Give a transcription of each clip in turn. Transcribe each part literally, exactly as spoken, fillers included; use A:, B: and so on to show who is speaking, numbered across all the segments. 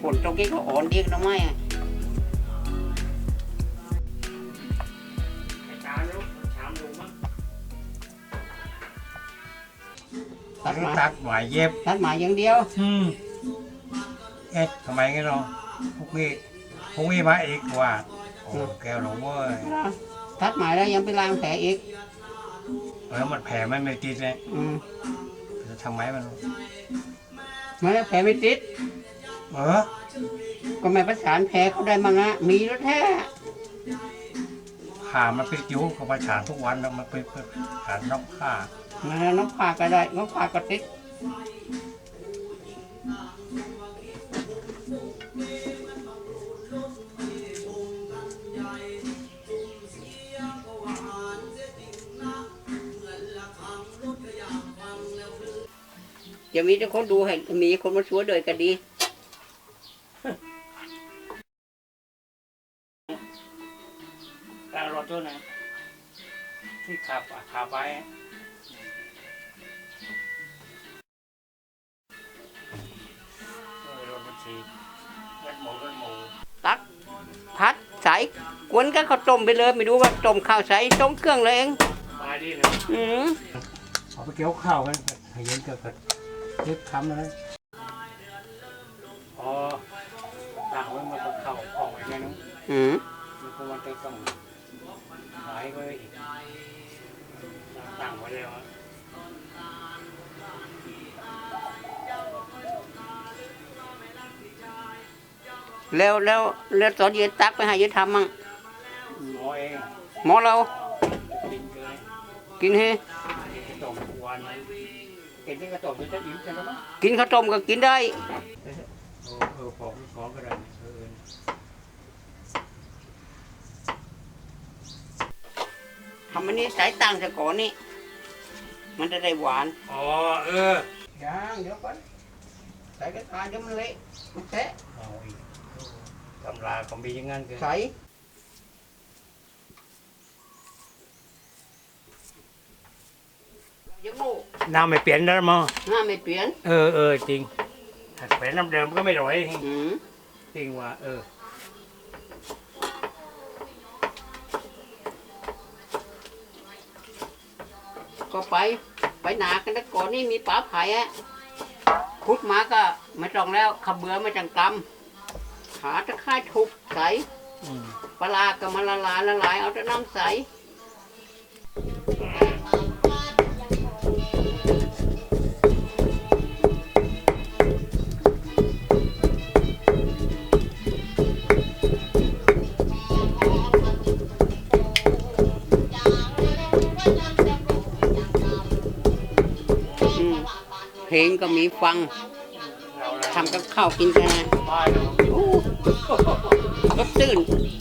A: นตรงนี้ก็อ่อนดีกันไหมตัดมา
B: ตัดหมายเย็บ
A: ตัดหมายอย่างเดียว
B: อืมเอ๊ะทำไมงั้นเนาะพวกนี้พวกนี้มาอีกว่าโอ้แก้วหลงเว้ย
A: ตัดหมายแล้วยังไปล้างแผลอีก
B: แล้วมันแผลมันไม่ติดเลย
A: อืม
B: จะทำไมมัน
A: ไม่แผลไม่ติด
B: เออ
A: ก็ไม่ประสานแผลเขาได้มั้งอะมีแล้วแท้
B: ผ่ามันไปจิ้วเขาประสานทุกวันแล้วมันไปผ่านนอกผ้า
A: แล้วนกผ่าก็ได้นกผ่าก็ติดจะมีแต่คนดูให้มีคนมาช่วยเลยก็ดี
B: การรถตัวไหนที่ขับขับไปรถบัญชีรถหมูรถหมู
A: ตักพัดใส่กวนก็เขาต้มไปเลยไม่รู้ว่าต้มข้าวใส่ต้มเครื่องเลยเอง
B: มาดีเลย
A: อืม
B: เอาไปเกี่ยวข้าวกันให้เย็นเกิดเก็บคำเลยอ๋อต่างไว้มาตกข้าวออกไปไงน้อง
A: อืม
B: มันก็มันต้องหายไปอีกต่างไว้แล้ว
A: แล้วแล้วแล้วตอนเย็นตักไปให้เย็นทำมั่ง
B: หมอเอง
A: หมอเรากินให้
B: ต้มวันกินที่กระต้มจะอิ่มใช่ไหม
A: กินข้าวต้มก็กินได้
B: เออของของก็ได้
A: ทำอันนี้สายตังจะก่อนนี่มันจะได้หวาน
B: อ๋อเออ
A: ยังเดี๋ยวก่อนใส่กระทะเดี๋ยวมันเละมันแตะ
B: ตำราก็มีอย่างงั้นคือ
A: ใส่
B: น้ำไม่เปลี่ยนแล้วมั้ง
A: น้ำไม่เปลี่ยน
B: เออเออจริงถ้าเป็นน้ำเดิมก็ไม่ร่อยจริงว่าเออ
A: ก็ไปไปหนากันแล้วก่อนนี่มีป๋าไผ่อะขุดมาก็ไม่ต้องแล้วขบเบือไม่จังกำขาตะไคร้ทุบใส่ปลาก็มาละลายละลายเอาแต่น้ำใสเพลงก็มีฟังทำกับข้าวกินกันนะโอ้รสตื่น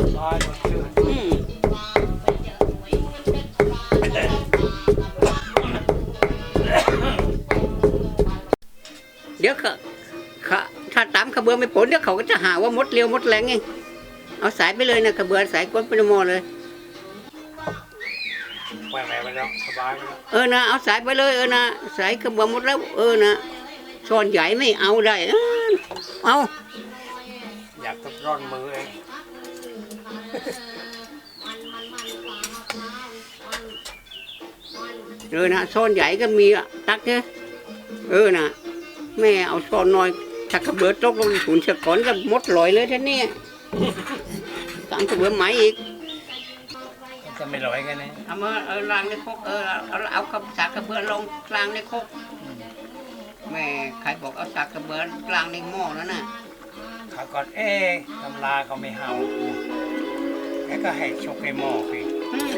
A: เดี๋ยวเขาถ้าตามขบเบือไม่ผลเดี๋ยวเขาก็จะหาว่ามดเร็วมดแรงไงเอาสายไปเลยนะขบเบือสายก้นไปในหม้อเลยเออนะเอาสายไปเลยเออนะสายขบเบือหมดแล้วเออนะช้อนใหญ่ไม่เอาได้เอา
B: อยากทดร้อนมือเอง
A: เออนะช้อนใหญ่ก็มีอ่ะตักเนี่ยเออนะแม่เอาช้อนน้อยถ้าขบเบือตกลงถุนเชือกก่อนก็มดลอยเลยท่านนี่สั่งขบเบือไหมอีก
B: ก็ไม่ลอยกันนะ
A: เอามาเออล้างในครกเออเอาเอากับสากกระเบือลงล้างในครกแม่ใครบอกเอาสากกระเบือล้างในหม้อแล้วน่ะ
B: ข้าก่อนเอ๊ตำราเขาไม่ห้ามแกก็ให้ชกในหม้อไป